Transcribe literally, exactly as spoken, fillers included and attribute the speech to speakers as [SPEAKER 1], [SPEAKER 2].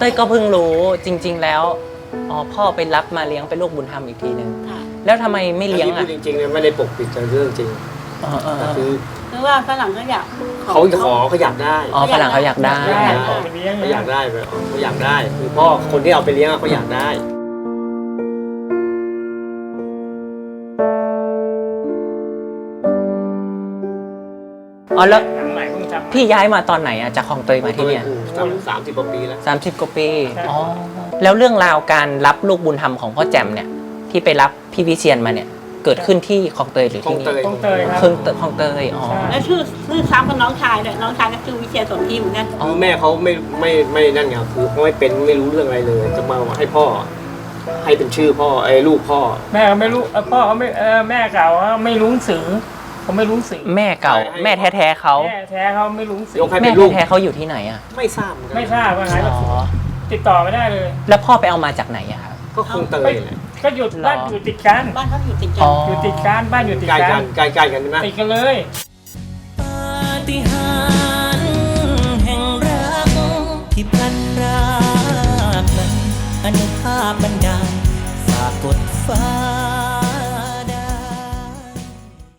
[SPEAKER 1] ต้ยก็เพิ่งรู้จริงๆแล้วอ๋อพ่อไปรับมาเลี้ยงเป็นลูกบุญธรรมอีกทีหนึ่งแล้วทำไมไม่เลี้ยงอ่ะ
[SPEAKER 2] จริงๆเนี่ยไม่ได้ปกปิดแต่เรื่องจริงคือ
[SPEAKER 3] คือว่าฝรั่งเขาอยาก
[SPEAKER 2] เขาขอเขาอยากได้
[SPEAKER 1] อ๋อฝรั่งเขาอยากได้
[SPEAKER 2] เขาอยากได้เขาอยากได้คือพ่อคนที่เอาไปเลี้ยงเขาอยากได้
[SPEAKER 1] อ๋อแล้วพี่ย้ายมาตอนไหนอะจากคลองเตยมาที่เนี่ย
[SPEAKER 2] สามสิบกว่าปีแล้ว
[SPEAKER 1] สามสิบกว่าปีอ๋อแล้วเรื่องราวการรับลูกบุญธรรมของพ่อแจ่มเนี่ยที่ไปรับพี่วิเชียรมาเนี่ยเกิดขึ้นที่คลองเตยหรือที่นี่
[SPEAKER 4] คลองเตยครับ
[SPEAKER 1] คลองเตยคลองเตยอ๋อ
[SPEAKER 3] แล้วชื่อชื่อซ้ำกับน้องชายเลยน้องชายก็ชื่อวิเชียรสนธิเหมือนกัน
[SPEAKER 2] คือแม่เขาไม่ไม่ไม่นั่นไงคือเขาไม่เป็นไม่รู้เรื่องอะไรเลยจะมาให้พ่อให้เป็นชื่อพ่อไอ้ลูกพ่อ
[SPEAKER 4] แม่เขาไม่รู้พ่อเขาไม่แม่เก่าเขาไม่รู้สื่อเขาไม่รู้สื่อ
[SPEAKER 1] แม่เก่าแม่แท้ๆเขา
[SPEAKER 4] แม่แท้เขาไม่รู้สื่อ
[SPEAKER 1] แม่แท้ๆเขาอยู่ที่ไหนอะ
[SPEAKER 2] ไม่ทราบ
[SPEAKER 4] ไม่ทราบว่าไงติดต่อไม่ได้เลย
[SPEAKER 1] แล้วพ่อไปเอามาจากไหนอะครับ
[SPEAKER 2] ก็คงเตยแหละ
[SPEAKER 4] ก็อยู่บ้านอยู่ติดกัน
[SPEAKER 3] บ้านเขาอยู่ติดกัน
[SPEAKER 4] อยู่ติดกันบ้านอยู่ติดกัน
[SPEAKER 2] ใกล้ๆกันใช่ไหม
[SPEAKER 4] ติดกันเลย
[SPEAKER 5] ปาฏิหาริย์แห่งรักที่พลันรากนั้นอนุภาพบันดาลฝากกดฟ้า